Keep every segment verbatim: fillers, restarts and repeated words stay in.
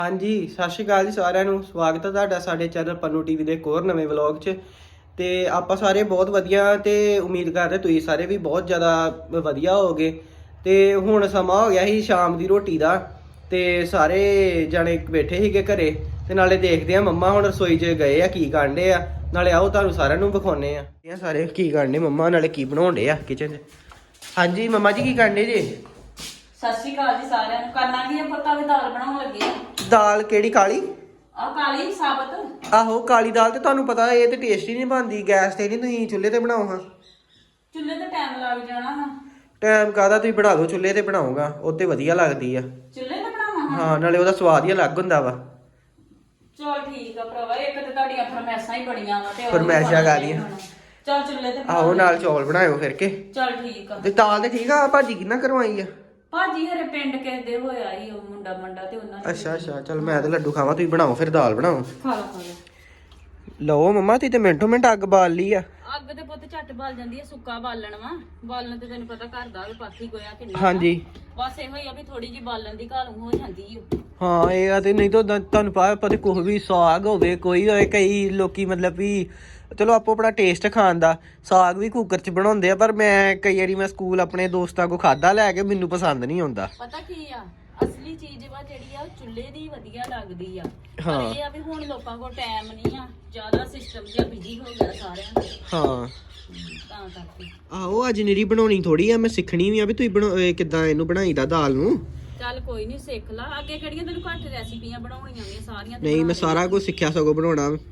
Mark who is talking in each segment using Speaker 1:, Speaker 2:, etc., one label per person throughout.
Speaker 1: ਹਾਂਜੀ ਸਤਿ ਸ਼੍ਰੀ ਅਕਾਲ ਜੀ ਸਾਰਿਆਂ ਨੂੰ। ਸਵਾਗਤ ਹੈ ਤੁਹਾਡਾ ਸਾਡੇ ਚੈਨਲ ਪੰਨੂ ਟੀਵੀ ਦੇ ਇੱਕ ਹੋਰ ਨਵੇਂ ਵਲੌਗ 'ਚ। ਤੇ ਆਪਾਂ ਸਾਰੇ ਬਹੁਤ ਵਧੀਆ ਤੇ ਉਮੀਦ ਕਰਦੇ ਤੁਸੀਂ ਸਾਰੇ ਵੀ ਬਹੁਤ ਜ਼ਿਆਦਾ ਵਧੀਆ ਹੋਗੇ। ਤੇ ਹੁਣ ਸਮਾਂ ਹੋ ਗਿਆ ਸੀ ਸ਼ਾਮ ਦੀ ਰੋਟੀ ਦਾ ਤੇ ਸਾਰੇ ਜਣੇ ਬੈਠੇ ਸੀਗੇ ਘਰੇ ਤੇ ਨਾਲੇ ਦੇਖਦੇ ਆ ਮੰਮਾ ਹੁਣ ਰਸੋਈ 'ਚ ਗਏ ਆ ਕੀ ਕਾਂਡੇ ਆ, ਨਾਲੇ ਆਓ ਤੁਹਾਨੂੰ ਸਾਰਿਆਂ ਨੂੰ ਵਿਖਾਉਣੇ ਆ ਇਹ ਸਾਰੇ ਕੀ ਕਾਂਡੇ ਮੰਮਾ, ਨਾਲੇ ਕੀ ਬਣਾਉਂਦੇ ਆ ਕਿਚਨ 'ਚ। ਹਾਂਜੀ ਮੰਮਾ ਜੀ ਕੀ ਕਾਂਡੇ ਜੀ?
Speaker 2: ਸਤਿ ਸ਼੍ਰੀ ਅਕਾਲ ਜੀ ਸਾਰਿਆਂ ਨੂੰ। ਕਰਨਾ ਕੀ ਆ ਪਤਾ ਵੀ ਦਾਲ ਬਣਾਉਣ ਲੱਗੇ ਆ।
Speaker 1: ਦਾਲ ਕਿਹੜੀ? ਕਾਲੀ?
Speaker 2: ਆ ਕਾਲੀ ਸਾਬਤ।
Speaker 1: ਆਹੋ ਕਾਲੀ ਦਾਲ। ਤੇ ਤੁਹਾਨੂੰ ਪਤਾ ਇਹ ਤੇ ਟੇਸਟੀ ਨਹੀਂ ਬਣਦੀ ਗੈਸ ਤੇ, ਨਹੀਂ ਤੁਸੀਂ ਚੁੱਲ੍ਹੇ ਤੇ ਬਣਾਓ ਹਾਂ।
Speaker 2: ਚੁੱਲ੍ਹੇ ਤੇ ਟਾਈਮ ਲੱਗ ਜਾਣਾ ਵਾ।
Speaker 1: ਟਾਈਮ ਕਾਹਦਾ, ਤੁਸੀਂ ਬਣਾ ਲਓ ਚੁੱਲ੍ਹੇ ਤੇ ਬਣਾਉਂਗਾ ਉਹ ਤੇ ਵਧੀਆ ਲੱਗਦੀ ਆ।
Speaker 2: ਚੁੱਲ੍ਹੇ ਤੇ ਬਣਾਵਾਂ?
Speaker 1: ਹਾਂ ਨਾਲੇ ਉਹਦਾ ਸਵਾਦ ਹੀ ਅਲੱਗ ਹੁੰਦਾ ਵਾ।
Speaker 2: ਚਲ ਠੀਕ ਆ ਭਰਾਵਾ, ਇੱਕ ਤੇ ਤੁਹਾਡੀਆਂ ਫਰਮੈਸ਼ਾਂ ਹੀ ਬੜੀਆਂ ਵਾ ਤੇ
Speaker 1: ਫਰਮੈਸ਼ਾਂ ਕਾਹਦੀਆਂ?
Speaker 2: ਚਲ ਚੁੱਲ੍ਹੇ ਤੇ
Speaker 1: ਆਹੋ ਨਾਲ ਚੌਲ ਬਣਾਇਓ ਫਿਰ ਕੇ।
Speaker 2: ਚਲ ਠੀਕ ਆ।
Speaker 1: ਤੇ ਦਾਲ ਤੇ ਠੀਕ ਆ, ਭਾਜੀ ਕਿੰਨਾ ਕਰਵਾਈ ਆ?
Speaker 2: ਭਾਜੀ ਹਰੇ ਪਿੰਡ ਕਿਸੇ ਦੇ ਹੋਇਆ ਹੀ ਉਹ ਮੁੰਡਾ ਮੰਡਾ ਤੇ ਉਹਨਾਂ ਨੇ।
Speaker 1: ਅੱਛਾ ਅੱਛਾ ਚਲ ਮੈਂ ਤੇ ਲੱਡੂ ਖਾਵਾਂ, ਤੁਸੀਂ ਬਣਾਓ ਫਿਰ ਦਾਲ ਬਣਾਓ।
Speaker 2: ਖਾ ਲਾ ਖਾ ਲਾ।
Speaker 1: ਲਓ ਮੰਮਾ ਤੁਸੀਂ ਤੇ ਮਿੰਟੋ ਮਿੰਟ ਅੱਗ ਬਾਲ ਲਈ ਆ।
Speaker 2: ਅੱਗ ਤੇ ਪੁੱਤ ਝੱਟ ਬਲ ਜਾਂਦੀ ਹੈ, ਸੁੱਕਾ ਬਾਲਣ ਵਾ। ਬਾਲਣ ਤੇ ਤੈਨੂੰ ਪਤਾ ਘਰ ਦਾ ਵੀ ਪਾਥੀ ਗੋਇਆ ਕਿੰਨਾ।
Speaker 1: ਹਾਂਜੀ
Speaker 2: ਬਸ ਇਹੋ ਹੀ ਆ ਵੀ ਥੋੜੀ ਜਿਹੀ ਬਾਲਣ ਦੀ ਘਾਲੂ ਹੋ ਜਾਂਦੀ ਓ।
Speaker 1: ਹਾਂ ਇਹ ਆ ਤੇ ਨਹੀਂ ਤਾਂ ਤੁਹਾਨੂੰ ਪਤਾ ਪਤਾ ਕੁਛ ਵੀ ਸਾਗ ਹੋਵੇ ਕੋਈ ਹੋਵੇ, ਕਈ ਲੋਕੀ ਮਤਲਬ ਵੀ ਚਲੋ ਆਪੋ ਆਪਣਾ ਟੇਸਟ ਖਾਣ ਦਾ, ਸਾਗ ਵੀ ਕੁੱਕਰ 'ਚ ਬਣਾਉਂਦੇ ਆ, ਪਰ ਮੈਂ ਕਈ ਵਾਰੀ ਮੈਂ ਸਕੂਲ ਆਪਣੇ ਦੋਸਤਾਂ ਕੋਲ ਖਾਦਾ ਲੈ ਕੇ, ਮੈਨੂੰ ਪਸੰਦ ਨਹੀਂ ਆਉਂਦਾ।
Speaker 2: ਪਤਾ ਕੀ ਆ, ਅਸਲੀ ਚੀਜ਼ ਵਾ ਜਿਹੜੀ ਆ ਉਹ ਚੁੱਲ੍ਹੇ ਦੀ ਵਧੀਆ ਲੱਗਦੀ ਆ।
Speaker 1: ਹਾਂ।
Speaker 2: ਪਰ ਇਹ ਆ ਵੀ ਹੁਣ ਲੋਕਾਂ ਕੋਲ ਟਾਈਮ ਨਹੀਂ ਆ, ਜ਼ਿਆਦਾ ਸਿਸਟਮ ਜਿਹਾ ਬਿਜੀ ਹੋ ਗਿਆ ਸਾਰਿਆਂ ਦਾ,
Speaker 1: ਹਾਂ
Speaker 2: ਤਾਂ ਕਰਕੇ।
Speaker 1: ਆਹੋ ਅੱਜ ਨਿਰੀ ਬਣਾਉਣੀ ਥੋੜੀ ਆ, ਮੈਂ ਸਿੱਖਣੀ ਵੀ ਆ ਵੀ ਤੁਸੀਂ ਬਣਾ ਕਿੱਦਾਂ ਇਹਨੂੰ ਬਣਾਈਦਾ ਦਾਲ ਨੂੰ।
Speaker 2: ਚੱਲ ਕੋਈ ਨਹੀਂ ਸਿੱਖ ਲਾ, ਅੱਗੇ ਕਿਹੜੀਆਂ ਤੈਨੂੰ ਘੱਟ ਰੈਸਿਪੀਆਂ ਬਣਾਉਣੀਆਂ ਨੇ ਸਾਰੀਆਂ ਤੇ
Speaker 1: ਨਹੀਂ ਮੈਂ
Speaker 2: ਬਣਾ
Speaker 1: ਸਾਰਾ ਕੁਝ ਸਿੱਖਿਆ ਸਗੋਂ ਬਣਾਉਣਾ।
Speaker 2: ਹਾਂ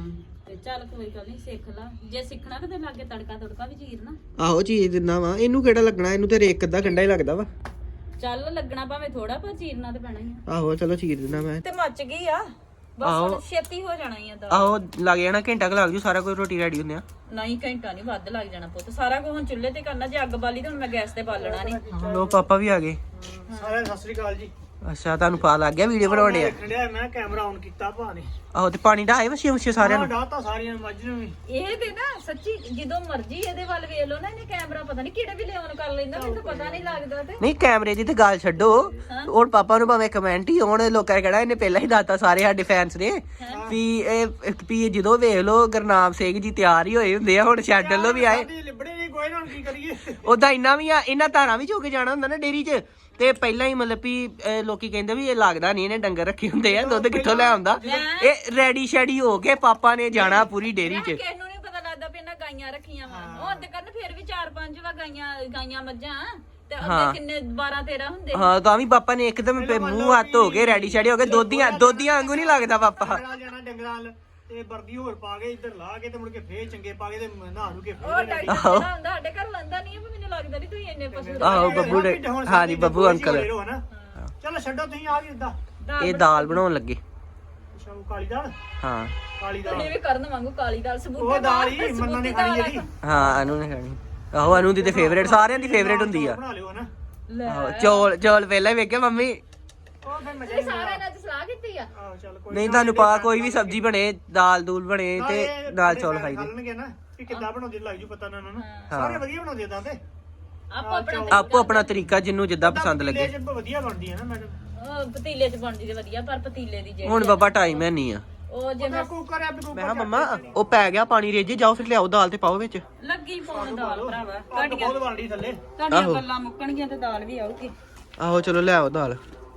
Speaker 2: ਤੇ ਚੱਲ ਕੋਈ ਗੱਲ ਨਹੀਂ ਸਿੱਖ ਲਾ, ਜੇ ਸਿੱਖਣਾ ਤੇ ਤੈਨੂੰ ਅੱਗੇ ਤੜਕਾ ਤੜਕਾ ਵੀ ਚੀਰਨਾ।
Speaker 1: ਆਹੋ ਚੀਜ਼ ਦਿੰਦਾ ਵਾ, ਇਹਨੂੰ ਕਿਹੜਾ ਲੱਗਣਾ, ਇਹਨੂੰ ਤੇ ਰੇਕ ਅੱਧਾ ਘੰਟਾ ਹੀ ਲੱਗਦਾ ਵਾ।
Speaker 2: ਚੱਲ ਲੱਗਣਾ ਭਾਵੇਂ ਥੋੜਾ, ਪਰ ਚੀਰਨਾ ਤੇ ਪੈਣਾ ਹੀ ਆ।
Speaker 1: ਆਹੋ ਚਲੋ ਚੀਰ ਦਿੰਦਾ ਮੈਂ।
Speaker 2: ਤੇ ਮੱਚ ਗਈ ਆ
Speaker 1: ਆਹੋ।
Speaker 2: ਬਸ, ਛੇਤੀ ਹੋ ਜਾਣਾ ਹੀ ਆ ਦਾਲ।
Speaker 1: ਆਹੋ ਲੱਗ ਜਾਣਾ ਘੰਟਾ ਕੁ ਲੱਗ ਜੂ, ਸਾਰਾ ਕੁਝ ਰੋਟੀ ਰੈਡੀ ਹੁੰਦੇ ਆ।
Speaker 2: ਨਹੀਂ ਘੰਟਾ ਨਹੀਂ ਵੱਧ ਲੱਗ ਜਾਣਾ ਪੁੱਤ, ਸਾਰਾ ਕੁਝ ਹੁਣ ਚੁੱਲ੍ਹੇ ਤੇ ਕਰਨਾ। ਜੇ ਅੱਗ ਬਾਲੀ ਤੇ ਹੁਣ ਮੈਂ ਗੈਸ ਤੇ ਬਾਲਣਾ ਨਹੀਂ।
Speaker 1: ਲੋ ਪਾਪਾ ਵੀ ਆ ਗਏ।
Speaker 3: ਸਾਰਿਆਂ ਨੂੰ ਸਤਿ ਸ੍ਰੀ ਅਕਾਲ ਜੀ।
Speaker 1: ਅੱਛਾ ਤੁਹਾਨੂੰ ਪਾ ਲੱਗ ਗਿਆ ਵੀਡੀਓ ਬਣਾਉਣੇ ਆ?
Speaker 3: ਦੇਖਣ ਡਿਆ ਮੈਂ ਕੈਮਰਾ ਆਨ ਕੀਤਾ ਭਾ ਨੇ।
Speaker 1: ਆਹੋ ਤੇ ਪਾਣੀ ਢਾਏ ਵਛੇ ਵਛੇ ਸਾਰਿਆਂ ਨੂੰ।
Speaker 3: ਡਾਤਾ ਸਾਰੀਆਂ ਨੂੰ, ਮੱਝ ਨੂੰ ਵੀ।
Speaker 2: ਇਹ ਤੇ ਨਾ ਸੱਚੀ ਜਦੋਂ ਮਰਜੀ ਇਹਦੇ ਵੱਲ ਵੇਖ ਲਓ ਨਾ, ਇਹਨੇ ਕੈਮਰਾ ਪਤਾ ਨਹੀਂ ਕਿਹੜੇ ਵੇਲੇ ਆਨ ਕਰ ਲੈਂਦਾ, ਮੈਨੂੰ ਤਾਂ ਪਤਾ ਨਹੀਂ ਲੱਗਦਾ। ਤੇ
Speaker 1: ਨਹੀਂ ਕੈਮਰੇ ਦੀ ਤੇ ਗੱਲ ਛੱਡੋ, ਹੁਣ ਪਾਪਾ ਨੂੰ ਭਾਵੇਂ ਕਮੈਂਟ ਹੀ ਹੋਣ, ਲੋਕਾਂ ਨੇ ਕਹਿਣਾ ਇਹਨੇ ਪਹਿਲਾਂ ਹੀ ਦੱਸਤਾ ਸਾਰੇ ਸਾਡੇ ਫੈਨਸ ਨੇ ਵੀ ਇਹ ਵੀ ਜਦੋਂ ਵੇਖ ਲਓ ਗੁਰਨਾਮ ਸਿੰਘ ਜੀ ਤਿਆਰ ਹੀ ਹੋਏ ਹੁੰਦੇ ਆ, ਹੁਣ ਛੱਡ ਲੋ ਵੀ ਆਏ।
Speaker 3: ਲਿਬੜੇ ਨਹੀਂ ਕੋਈ ਨਾ, ਕੀ ਕਰੀਏ।
Speaker 1: ਉਦਾਂ ਇੰਨਾ ਵੀ ਆ, ਇਹਨਾਂ ਧਾਰਾਂ ਵੀ ਚੋ ਕੇ ਜਾਣਾ ਹੁੰਦਾ ਨਾ ਡੇਰੀ 'ਚ, ਤੇ ਪਹਿਲਾਂ ਹੀ ਮਤਲਬ ਵੀ ਲੋਕੀ ਕਹਿੰਦੇ ਵੀ ਇਹ ਲੱਗਦਾ ਨਹੀਂ ਇਹਨੇ ਡੰਗਰ ਰੱਖੇ ਹੁੰਦੇ ਆ, ਦੁੱਧ ਕਿੱਥੋਂ ਲੈ ਆਉਂਦਾ। ਇਹ ਰੈਡੀ ਸ਼ੈਡੀ ਹੋ ਕੇ ਪਾਪਾ ਨੇ ਜਾਣਾ ਪੂਰੀ ਡੇਰੀ 'ਚ।
Speaker 2: ਕਿਸੇ ਨੂੰ ਨਹੀਂ ਪਤਾ ਲੱਗਦਾ ਵੀ ਇਹਨਾਂ ਗਾਈਆਂ ਰੱਖੀਆਂ ਵਾ। ਹੁਣ ਤੇ ਕਰਨ ਫਿਰ ਵੀ ਚਾਰ ਪੰਜ ਵਾ ਗਾਈਆਂ ਗਾਈਆਂ ਮੱਝਾਂ ਤੇ ਅੱਗੇ ਕਿੰਨੇ ਬਾਰਾਂ ਤੇਰਾਂ ਹੁੰਦੇ।
Speaker 1: ਹਾਂ ਤਾਂ ਵੀ ਪਾਪਾ ਨੇ ਇੱਕਦਮ ਮੂੰਹ ਹੱਥ ਹੋ ਕੇ ਰੈਡੀ ਸ਼ੈਡੀ ਹੋ ਕੇ ਦੋਧੀਆਂ ਦੋਧੀਆਂ ਵਾਂਗੂ ਨਹੀਂ ਲੱਗਦਾ ਪਾਪਾ।
Speaker 3: ਜਾਣਾ ਡੰਗਰਾਂ ਨਾਲ ਤੇ ਵਰਦੀ ਹੋਰ ਪਾ ਕੇ ਇੱਧਰ ਲਾ ਕੇ ਤੇ ਮੁੜ ਕੇ ਫੇਰ ਚੰਗੇ ਪਾ ਕੇ ਤੇ ਨਹਾ ਨੂੰ ਕੇ
Speaker 2: ਉਹ ਡਾਕਟਰ ਜਿਹੜਾ ਹੁੰਦਾ ਸਾਡੇ ਘਰ ਲੰਦਾ ਨਹੀਂ, ਮੈਨੂੰ ਲੱਗਦਾ ਨਹੀਂ ਤੁਸੀਂ ਇੰਨੇ ਪਸ਼ੂ।
Speaker 1: ਆਹੋ ਬੱਬੂ ਦੇ, ਹਾਂ ਜੀ ਬੱਬੂ ਅੰਕਲ।
Speaker 3: ਚਲੋ ਛੱਡੋ ਤੁਸੀਂ ਆ ਵੀ ਉਦਾਂ।
Speaker 1: ਇਹ ਦਾਲ ਬਣਾਉਣ ਲੱਗੇ।
Speaker 3: ਅੱਛਾ ਉਹ ਕਾਲੀ ਦਾਲ।
Speaker 1: ਹਾਂ
Speaker 3: ਕਾਲੀ ਦਾਲ
Speaker 2: ਇਹ ਵੀ ਕਰਨ ਵਾਂਗੂ ਕਾਲੀ ਦਾਲ ਸਬੂਤੀ
Speaker 3: ਉਹ ਦਾਲ ਹੀ ਮੰਨਾ ਨੇ ਖਾਣੀ ਜਿਹੜੀ।
Speaker 1: ਹਾਂ ਅਨੂ ਨੇ ਖਾਣੀ। ਆਹੋ ਅਨੂ ਦੀ ਤੇ ਫੇਵਰੇਟ, ਸਾਰਿਆਂ ਦੀ ਫੇਵਰੇਟ ਹੁੰਦੀ ਆ।
Speaker 3: ਬਣਾ ਲਿਓ ਨਾ।
Speaker 1: ਆਹੋ ਚੌਲ ਚੌਲ ਪਹਿਲਾਂ ਹੀ ਵੇਖਿਆ ਮੰਮੀ।
Speaker 3: ਉਹ ਫਿਰ ਮਜ਼ਾ
Speaker 2: ਇਹ ਸਾਰਿਆਂ ਨੇ ਅੱਜ ਸਲਾਹ ਕੀਤੀ ਆ।
Speaker 3: ਆਹ ਚੱਲ ਕੋਈ
Speaker 1: ਨਹੀਂ ਤੁਹਾਨੂੰ ਪਾ ਕੋਈ ਵੀ ਸਬਜ਼ੀ ਬਣੇ, ਦਾਲ ਦੂਲ ਬਣੇ ਤੇ ਨਾਲ ਚੌਲ ਖਾਈਦੇ।
Speaker 3: ਖਾਣਗੇ ਨਾ ਕਿ ਕਿੱਦਾਂ ਬਣਾਉਂਦੇ ਲੱਗ ਜੂ ਪਤਾ ਨਾ ਉਹਨਾਂ ਨੂੰ। ਸਾਰੇ ਵਧੀਆ ਬਣਾਉਂਦੇ ਤਾਂ ਤੇ
Speaker 2: ਆਪੋ ਆਪਣਾ
Speaker 1: ਆਪੋ ਆਪਣਾ ਤਰੀਕਾ ਜਿਹਨੂੰ ਜਿੱਦਾਂ ਪਸੰਦ ਲੱਗੇ।
Speaker 3: ਪਤੀਲੇ 'ਚ ਵਧੀਆ ਬਣਦੀ ਹੈ ਨਾ ਮੈਡਮ।
Speaker 2: ਉਹ ਪਤੀਲੇ 'ਚ ਬਣਦੀ ਤੇ ਵਧੀਆ, ਪਰ ਪਤੀਲੇ ਦੀ ਜਿਹੜੀ
Speaker 1: ਹੁਣ ਬਾਬਾ ਟਾਈਮ ਹੈ ਨਹੀਂ ਆ।
Speaker 2: ਉਹ ਜੇ ਮੈਂ
Speaker 3: ਕੁੱਕਰ ਆ ਬਿਲਕੁਲ।
Speaker 1: ਮੈਂ ਕਿਹਾ ਮੰਮਾ ਉਹ ਪੈ ਗਿਆ ਪਾਣੀ ਰੇਜੇ, ਜਾਓ ਫਿਰ ਲਿਆਓ ਦਾਲ ਤੇ ਪਾਓ ਵਿੱਚ।
Speaker 2: ਲੱਗੀ ਪਾਉਣ ਦਾਲ ਭਰਾਵਾ,
Speaker 3: ਅੱਗ
Speaker 2: ਤੁਹਾਡੀਆਂ
Speaker 3: ਬਹੁਤ ਬਣਦੀ ਥੱਲੇ।
Speaker 2: ਤੁਹਾਡੀਆਂ ਗੱਲਾਂ ਮੁੱਕਣਗੀਆਂ ਤੇ ਦਾਲ ਵੀ ਆਊਗੀ।
Speaker 1: ਆਹੋ ਚਲੋ ਲਿਆਓ ਦਾਲ।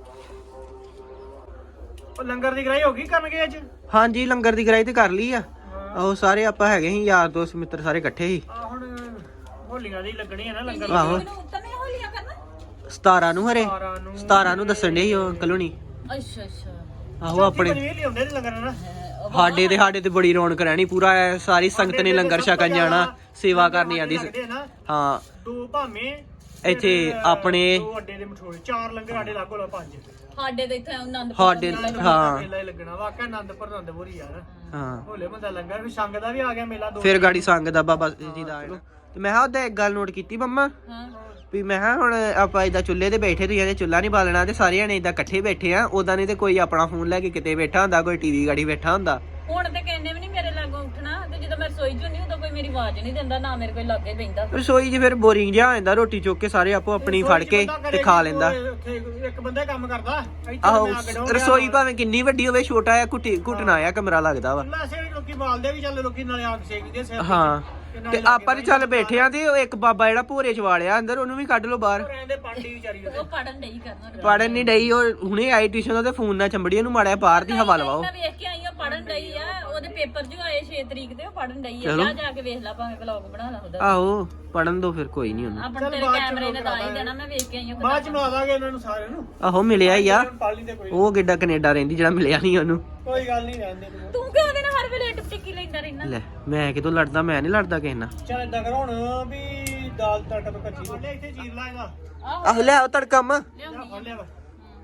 Speaker 3: ਉਹ ਲੰਗਰ ਦੀ ਗਰਾਈ ਹੋ ਗਈ ਕਰਨਗੇ ਅੱਜ?
Speaker 1: ਹਾਂਜੀ ਲੰਗਰ ਦੀ ਗਰਾਈ ਤੇ ਕਰ ਲਈ ਆ। ਆਹੋ ਸਾਰੇ ਆਪਾਂ ਹੈਗੇ ਸੀ ਯਾਰ ਦੋਸਤ ਮਿੱਤਰ ਸਾਰੇ ਇਕੱਠੇ ਸੀ।
Speaker 3: ਆ ਹੁਣ ਹੋਲੀਆਂ ਦੀ ਲੱਗਣੀ ਹੈ ਨਾ ਲੰਗਰ।
Speaker 1: ਆਹੋ
Speaker 2: ਮੈਨੂੰ ਤਨੇ ਹੋਲੀਆਂ ਕਰਨਾ
Speaker 1: ਸਤਾਰਾਂ ਨੂੰ ਹਰੇ
Speaker 3: ਸਾਰਾਂ ਨੂੰ
Speaker 1: ਸਤਾਰਾਂ ਨੂੰ ਦੱਸਣ ਦੇ ਸੀ ਉਹ ਅੰਕਲ ਹੁਣੀ।
Speaker 2: ਅੱਛਾ ਅੱਛਾ।
Speaker 1: ਆਹੋ ਆਪਣੇ
Speaker 3: ਪਨੀਰ ਲਿਆਉਂਦੇ ਤੇ ਲੰਗਰ ਨਾ।
Speaker 1: ਸਾਡੇ ਤੇ ਸਾਡੇ ਤੇ ਬੜੀ ਰੌਣਕ ਰਹਿਣੀ, ਪੂਰਾ ਸਾਰੀ ਸੰਗਤ ਨੇ ਲੰਗਰ ਛਕਣ ਜਾਣਾ, ਸੇਵਾ ਕਰਨੀ ਆਦੀ। ਹਾਂ
Speaker 3: ਦੋ ਭਾਵੇਂ
Speaker 1: ਇੱਥੇ ਆਪਣੇ
Speaker 3: ਦੋ ਅੱਡੇ ਦੇ ਮਠੋੜੇ, ਚਾਰ ਲੰਗਰ ਸਾਡੇ ਲਾਗੋ ਲਾ ਪੰਜ।
Speaker 2: ਸਾਡੇ ਤੇ ਇੱਥੇ ਆਨੰਦ
Speaker 1: ਸਾਡੇ ਹਾਂ
Speaker 3: ਮੇਲਾ ਹੀ ਲੱਗਣਾ ਵਾਕਿਆ ਆਨੰਦਪੁਰ ਆਨੰਦਪੁਰੀ ਯਾਰ।
Speaker 1: ਹਾਂ
Speaker 3: ਹੋਲੇ ਬੰਦਾ ਲੰਗਰ ਵੀ ਸੰਗ ਦਾ ਵੀ ਆ ਗਿਆ ਮੇਲਾ। ਦੋ
Speaker 1: ਫਿਰ ਗਾੜੀ ਸੰਗ ਦਾ ਬਾਬਾ ਜੀ ਦਾ ਆਇਆ। ਤੇ ਮੈਂ ਕਿਹਾ ਉਹਦਾ ਇੱਕ ਗੱਲ ਨੋਟ ਕੀਤੀ ਮੰਮਾ
Speaker 2: ਹਾਂ
Speaker 1: ਵੀ ਮੈਂ ਕਿਹਾ ਹੁਣ ਆਪਾਂ ਏਦਾਂ ਚੁੱਲ੍ਹੇ ਤੇ ਬੈਠੇ, ਤੁਸੀਂ ਇਹਦੇ ਚੁੱਲ੍ਹਾ ਨਹੀਂ ਬਾਲਣਾ ਤੇ ਸਾਰੇ ਜਣੇ ਏਦਾਂ ਇਕੱਠੇ ਬੈਠੇ ਆ, ਉਦਾਂ ਨਹੀਂ ਤੇ ਕੋਈ ਆਪਣਾ ਫੋਨ ਲੈ ਕੇ ਕਿਤੇ ਬੈਠਾ ਹੁੰਦਾ, ਕੋਈ ਟੀਵੀ ਗਾੜੀ ਬੈਠਾ ਹੁੰਦਾ।
Speaker 2: ਹੁਣ ਤੇ ਕਹਿੰਦੇ ਵੀ ਨਹੀਂ ਮੇਰੇ ਲਾਗੋਂ ਉੱਠਣਾ, ਤੇ ਜਦੋਂ ਮੈਂ ਰਸੋਈ 'ਚ ਹੁੰਦੀ ਉਦੋਂ ਕੋਈ ਮੇਰੀ ਆਵਾਜ਼ ਨਹੀਂ ਦਿੰਦਾ, ਨਾ ਮੇਰੇ ਕੋਈ ਲਾਗੇ ਪੈਂਦਾ।
Speaker 1: ਰਸੋਈ 'ਚ ਫਿਰ ਬੋਰਿੰਗ ਜਿਹਾ ਹੋ ਜਾਂਦਾ, ਰੋਟੀ ਚੁੱਕ ਕੇ ਸਾਰੇ ਆਪੋ ਆਪਣੀ ਫੜ ਕੇ ਤੇ ਖਾ ਲੈਂਦਾ।
Speaker 3: ਉੱਥੇ ਇੱਕ ਬੰਦਾ ਕੰਮ ਕਰਦਾ ਇੱਥੇ
Speaker 1: ਆਹੋ
Speaker 3: ਮੈਂ ਅੱਗ ਡਾਉਣ
Speaker 1: ਰਸੋਈ ਭਾਵੇਂ ਕਿੰਨੀ ਵੱਡੀ ਹੋਵੇ, ਛੋਟਾ ਆ ਘੁੱਟੀ ਘੁੱਟਣਾ ਆ ਕਮਰਾ ਲੱਗਦਾ ਵਾ।
Speaker 3: ਵੈਸੇ ਵੀ ਲੋਕੀ ਬਾਲਦੇ ਵੀ ਚੱਲ, ਲੋਕੀ ਨਾਲੇ ਅੱਗ ਸੇਕਦੇ ਸਿਰ ਤੇ।
Speaker 1: ਹਾਂ ਤੇ ਆਪਾਂ ਤੇ ਚੱਲ ਬੈਠੇ ਆ ਤੇ ਉਹ ਇੱਕ ਬਾਬਾ ਜਿਹੜਾ ਭੋਰੇ ਚ ਵਾਲਿਆ ਅੰਦਰ, ਉਹਨੂੰ ਵੀ ਕੱਢ ਲਓ ਬਾਹਰ।
Speaker 3: ਰਹਿੰਦੇ ਪਾਂਡੀ ਵਿਚਾਰੀ ਉਹਦੇ।
Speaker 2: ਉਹ ਪੜਨ ਨਹੀਂ ਕਰਨਾ।
Speaker 1: ਪੜਨ ਨਹੀਂ ਡਈ, ਉਹ ਹੁਣੇ ਆਈ ਟਿਊਸ਼ਨ ਉਹਦੇ ਫੋਨ ਨਾਲ ਚੰਬੜੀ, ਉਹਨੂੰ ਮਾੜਿਆ ਬਾਹਰ ਦੀ ਹਵਾ ਲਵਾਓ।
Speaker 2: ਮੈਂ ਵੇਖ ਕੇ ਆਈ ਆ, ਪੜਨ ਡਈ ਆ, ਉਹਦੇ ਪੇਪਰ ਜੋ ਆਏ ਛੇ ਤਰੀਕ ਦੇ, ਉਹ ਪੜਨ ਡਈ ਆ। ਜਾ ਜਾ ਕੇ ਵੇਖ ਲੈ, ਭਾਵੇਂ ਵਲੌਗ ਬਣਾ ਲਾ ਉਹਦਾ।
Speaker 1: ਆਹੋ ਪੜਨ ਦੋ ਫਿਰ, ਕੋਈ ਨਹੀਂ ਉਹਨੂੰ।
Speaker 2: ਆਪਣੇ ਤੇਰੇ ਕੈਮਰੇ ਨੇ ਤਾਂ ਹੀ ਦੇਣਾ, ਮੈਂ ਵੇਖ ਕੇ ਆਈ ਆ।
Speaker 3: ਬਾਅਦ ਚ ਮਿਲਾ ਦਾਂਗੇ ਇਹਨਾਂ ਨੂੰ ਸਾਰਿਆਂ ਨੂੰ।
Speaker 1: ਆਹੋ ਮਿਲਿਆ ਹੀ ਆ,
Speaker 3: ਪਾਲੀ ਦੇ ਕੋਈ
Speaker 1: ਉਹ ਕਿੱਡਾ ਕੈਨੇਡਾ ਰਹਿੰਦੀ ਜਿਹੜਾ ਮਿਲਿਆ ਨਹੀਂ ਉਹਨੂੰ।
Speaker 3: ਕੋਈ ਗੱਲ ਨਹੀਂ, ਰਹਿੰਦੇ ਤੂੰ।
Speaker 2: ਤੂੰ ਕਿਉਂ ਉਹਦੇ ਨਾਲ ਹਰ ਵੇਲੇ ਟਿਪ ਟਿੱਕੀ ਲੈਂਦਾ ਰਹਿਣਾ?
Speaker 1: ਲੈ ਮੈਂ ਕਿਦੋਂ ਲੜਦਾ, ਮੈਂ ਨਹੀਂ ਲੜਦਾ ਕਿਸੇ ਨਾਲ।
Speaker 3: ਚੱਲ ਏਦਾਂ ਕਰ ਹੁਣ ਵੀ ਦਾਲ ਤੜਕਾ ਤੋਂ ਕੱਚੀ ਲੈ ਇੱਥੇ ਚੀਰ ਲਾ ਇਹਦਾ।
Speaker 1: ਆਹੋ ਲੈ ਆਓ ਤੜਕਾ ਮਾ।
Speaker 3: ਜਾ ਫੜ ਲਿਆ ਵਾ।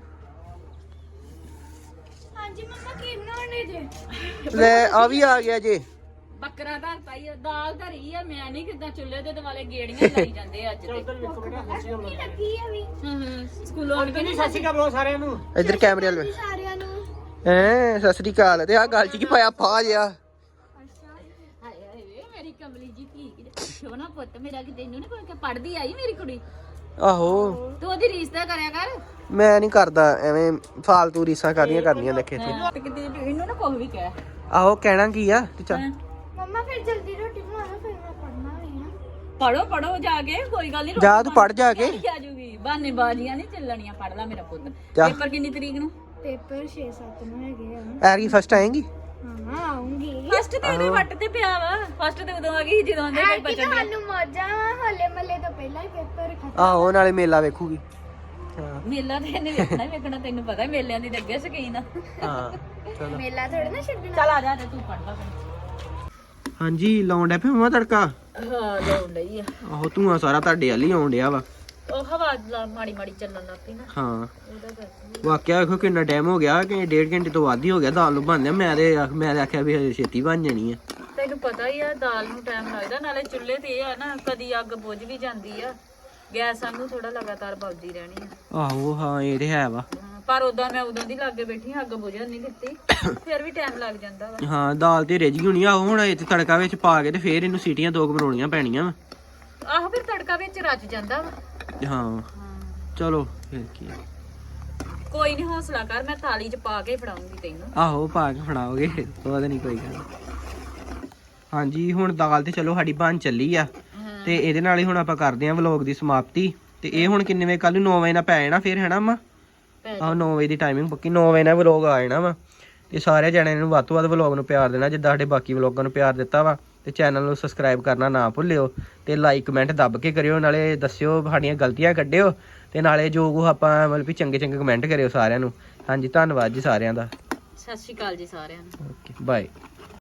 Speaker 4: ਹਾਂਜੀ ਮੰਮਾ ਕੀ ਬਣਾਉਣੇ ਜੇ?
Speaker 1: ਲੈ ਆ ਵੀ ਆ ਗਿਆ ਜੇ।
Speaker 2: ਬੱਕਰਾ ਧਰਤਾ ਹੀ ਆ, ਦਾਲ ਧਰੀ ਆ। ਮੈਂ ਨਹੀਂ ਕਿਦਾਂ ਚੁੱਲ੍ਹੇ ਦੇ ਦੁਆਲੇ ਗੇੜੀਆਂ ਲਾਈ ਜਾਂਦੇ ਅੱਜ ਤੇ।
Speaker 3: ਉੱਧਰ ਵੇਖੋ ਬੇਟਾ, ਸਤਿ ਸ਼੍ਰੀ ਅਕਾਲ।
Speaker 4: ਲੱਗੀ ਆ ਵੀ
Speaker 2: ਹੂੰ ਹੂੰ ਸਕੂਲੋਂ ਆਣ ਕੇ
Speaker 3: ਜੀ ਸਤਿ ਸ਼੍ਰੀ ਅਕਾਲ ਬੁਲਾਓ ਸਾਰਿਆਂ ਨੂੰ।
Speaker 1: ਇੱਧਰ ਕੈਮਰੇ ਵਾਲ ਵੇ।
Speaker 4: ਸਾਰਿਆਂ ਨੂੰ
Speaker 1: ਐ ਸਤਿ ਸ੍ਰੀ ਅਕਾਲ। ਤੇ ਆ ਗੱਲ ਚ ਕੀ ਪਾਇਆ ਫਾ ਜਿਆ?
Speaker 2: ਹਾਏ ਹਾਏ ਵੇ ਮੇਰੀ ਕਮਲੀ ਜੀ ਧੀ ਕਿਤੇ ਸੋਹਣਾ ਪੁੱਤ ਮੇਰਾ, ਕਿ ਤੈਨੂੰ ਨੀ ਕੋਈ ਪੜਦੀ ਆਈ ਮੇਰੀ ਕੁੜੀ?
Speaker 1: ਆਹੋ
Speaker 2: ਤੂੰ ਉਹਦੀ ਰੀਸ ਤਾਂ ਕਰਿਆ ਕਰ।
Speaker 1: ਮੈਂ ਨਹੀਂ ਕਰਦਾ ਐਵੇਂ ਫਾਲਤੂ ਰੀਸਾਂ ਕਾਦੀਆਂ ਕਰਨੀਆਂ ਦੇਖੇ ਤੇ।
Speaker 2: ਤੇ ਕਿਤੇ ਇਹਨੂੰ ਨਾ ਕੁਝ ਵੀ ਕਹਿ।
Speaker 1: ਆਹੋ ਕਹਿਣਾ ਕੀ ਆ ਤੇ ਚੱਲ।
Speaker 4: ਮੰਮਾ ਫਿਰ ਜਲਦੀ ਰੋਟੀ ਬਣਾ ਲਓ, ਫਿਰ ਮੈਂ ਪੜਨਾ ਵੀ ਆ।
Speaker 2: ਪੜੋ ਪੜੋ ਜਾ ਕੇ, ਕੋਈ ਗੱਲ ਨਹੀਂ।
Speaker 1: ਜਾ ਤੂੰ ਪੜ ਜਾ ਕੇ।
Speaker 2: ਆ ਜੂਗੀ ਬਾਨੇ ਬਾਜੀਆਂ ਨਹੀਂ ਚੱਲਣੀਆਂ, ਪੜ ਲੈ ਮੇਰਾ ਪੁੱਤ।
Speaker 1: ਜਾ।
Speaker 2: ਪੇਪਰ ਕਿੰਨੀ ਤਰੀਕ ਨੂੰ?
Speaker 4: ਪੇਪਰ ਛੇ ਸੱਤ ਨੂੰ ਹੈਗੇ ਆ।
Speaker 1: ਐਰੀ ਫਸਟ ਆਏਗੀ।
Speaker 4: ਹਾਂ ਆਉਂਗੀ।
Speaker 2: ਫਸਟ ਤੇ ਉਹਦੇ ਵੱਟ ਤੇ ਪਿਆ ਵਾ। ਫਸਟ ਤੇ ਉਦੋਂ ਆ ਗਈ ਜਦੋਂ ਆਂਦੇ ਕੋਈ
Speaker 4: ਕਿ
Speaker 2: ਬਚਣ
Speaker 4: ਤੁਹਾਨੂੰ ਮੌਜਾਂ ਵਾ, ਹਲੇ ਮੱਲੇ ਤੋਂ ਪਹਿਲਾਂ ਹੀ ਪੇਪਰ ਖਤਮ।
Speaker 1: ਆਹੋ ਨਾਲੇ ਮੇਲਾ ਵੇਖੂਗੀ। ਹਾਂ
Speaker 2: ਮੇਲਾ ਤੇ ਇਹਨੇ ਵੇਖਣਾ ਹੀ ਵੇਖਣਾ, ਤੈਨੂੰ ਪਤਾ ਮੇਲਿਆਂ ਦੀ ਤਾਂ ਅੱਗੇ ਸ਼ਕੀਨ ਆ।
Speaker 1: ਹਾਂ ਚਲੋ।
Speaker 4: ਮੇਲਾ ਥੋੜਾ ਨਾ ਛੱਡਣਾ।
Speaker 2: ਚੱਲ ਆ ਜਾ ਤੇ ਤੂੰ ਪੜ ਲੈ।
Speaker 1: ਹਾਂਜੀ ਲਾਉਣ ਡਿਆ ਪਿਆ ਮਮਾ ਤੜਕਾ।
Speaker 2: ਹਾਂ ਲਾਉਣ ਲਈ ਆ।
Speaker 1: ਆਹੋ ਧੂਆਂ ਸਾਰਾ ਤੁਹਾਡੇ ਵੱਲ ਹੀ ਆਉਣ ਡਿਆ ਵਾ।
Speaker 2: ਉਹ ਹਵਾ ਲਾ ਮਾੜੀ ਮਾੜੀ ਚੱਲਣ ਲੱਗ ਪਈ ਨਾ,
Speaker 1: ਹਾਂ
Speaker 2: ਉਹਦਾ ਕਰਕੇ।
Speaker 1: ਵਾਕਿਆ ਵੇਖੋ ਕਿੰਨਾ ਟਾਈਮ ਹੋ ਗਿਆ, ਕਿ ਡੇਢ ਘੰਟੇ ਤੋਂ ਵੱਧ ਹੀ ਹੋ ਗਿਆ ਦਾਲ ਨੂੰ ਬਣਦਿਆਂ। ਮੈਂ ਤੇ ਮੈਂ ਤੇ ਆਖਿਆ ਵੀ ਹਜੇ ਛੇਤੀ ਬਣ ਜਾਣੀ ਆ।
Speaker 2: ਤੈਨੂੰ ਪਤਾ ਹੀ ਆ ਦਾਲ ਨੂੰ ਟਾਈਮ ਲੱਗਦਾ, ਨਾਲੇ ਚੁੱਲ੍ਹੇ ਤੇ ਇਹ ਆ ਨਾ ਕਦੀ ਅੱਗ ਬੁਝ ਵੀ ਜਾਂਦੀ ਆ, ਗੈਸ ਸਾਨੂੰ ਥੋੜਾ ਲਗਾਤਾਰ ਬਲਦੀ ਰਹਿਣੀ ਆ।
Speaker 1: ਆਹੋ ਹਾਂ ਇਹ ਤੇ ਹੈ ਵਾ।
Speaker 2: ਹਾਂ, ਪਰ ਉਦਾਂ ਮੈਂ ਉਦੋਂ ਦੀ ਲਾਗੇ ਬੈਠੀ ਅੱਗ ਬੁਝਣ ਨਹੀਂ ਦਿੱਤੀ, ਫਿਰ ਵੀ ਟਾਈਮ ਲੱਗ ਜਾਂਦਾ ਵਾ।
Speaker 1: ਹਾਂ ਦਾਲ ਤੇ ਰਿੱਝ ਗਈ ਹੋਣੀ ਆ। ਹੁਣ ਇਹ ਤੜਕਾ ਵਿੱਚ ਪਾ ਕੇ ਤੇ ਫੇਰ ਇਹਨੂੰ ਸੀਟੀਆਂ ਦੋ ਕੁ ਮਰੋਣੀਆਂ ਪੈਣੀਆਂ ਵਾ।
Speaker 2: ਆਹੋ ਫਿਰ ਤੜਕਾ ਵਿੱਚ ਰਚ ਜਾਂਦਾ ਵਾ।
Speaker 1: ਹਾਂ ਚਲੋ ਫਿਰ ਕੀ ਆ।
Speaker 2: ਕੋਈ ਨਹੀਂ ਹੌਸਲਾ ਕਰ, ਮੈਂ ਥਾਲੀ 'ਚ ਪਾ ਕੇ ਫੜਾਉਂਗੀ ਤੈਨੂੰ।
Speaker 1: ਆਹੋ ਪਾ ਕੇ ਫੜਾਓਗੇ, ਉਹਦਾ ਨਹੀਂ ਕੋਈ ਗੱਲ। ਹਾਂਜੀ ਹੁਣ ਦਾਲ ਤੇ ਚਲੋ ਸਾਡੀ ਬਣ ਚੱਲੀ ਆ, ਤੇ ਇਹਦੇ ਨਾਲ ਹੀ ਹੁਣ ਆਪਾਂ ਕਰਦੇ ਆਂ ਵਲੌਗ ਦੀ ਸਮਾਪਤੀ। ਤੇ ਇਹ ਹੁਣ ਕਿੰਨੇ ਵਜੇ, ਕੱਲ ਨੂੰ ਨੌ ਵਜੇ ਨਾਲ ਪੈ ਜਾਣਾ ਫਿਰ, ਹੈਨਾ ਅੰਮਾ? ਆਹੋ ਨੌ ਵਜੇ ਦੀ ਟਾਈਮਿੰਗ ਪੱਕੀ, ਨੌ ਵਜੇ ਨਾਲ ਵਲੌਗ ਆ ਜਾਣਾ ਵਾ। ਤੇ ਸਾਰੇ ਜਣਿਆਂ ਨੂੰ ਵੱਧ ਤੋਂ ਵੱਧ ਵਲੌਗ ਨੂੰ ਪਿਆਰ ਦੇਣਾ, ਜਿੱਦਾਂ ਸਾਡੇ ਬਾਕੀ ਵਲੌਗਾਂ ਨੂੰ ਪਿਆਰ ਦਿੱਤਾ ਵਾ। ਤੇ ਚੈਨਲ ਨੂੰ ਸਬਸਕ੍ਰਾਈਬ ਕਰਨਾ ਨਾ ਭੁੱਲਿਓ, ਤੇ ਲਾਈਕ ਕਮੈਂਟ ਦੱਬ ਕੇ ਕਰਿਓ, ਨਾਲੇ ਦੱਸਿਓ ਸਾਡੀਆਂ ਗਲਤੀਆਂ ਕੱਢਿਓ, ਤੇ ਨਾਲੇ ਜੋ ਕੁ ਆਪਾਂ ਮਤਲਬ ਵੀ ਚੰਗੇ ਚੰਗੇ ਕਮੈਂਟ ਕਰਿਓ ਸਾਰਿਆਂ ਨੂੰ। ਹਾਂਜੀ ਧੰਨਵਾਦ ਜੀ ਸਾਰਿਆਂ ਦਾ।
Speaker 2: ਸਤਿ ਸ਼੍ਰੀ ਅਕਾਲ ਜੀ ਸਾਰਿਆਂ ਨੂੰ।
Speaker 1: Okay bye.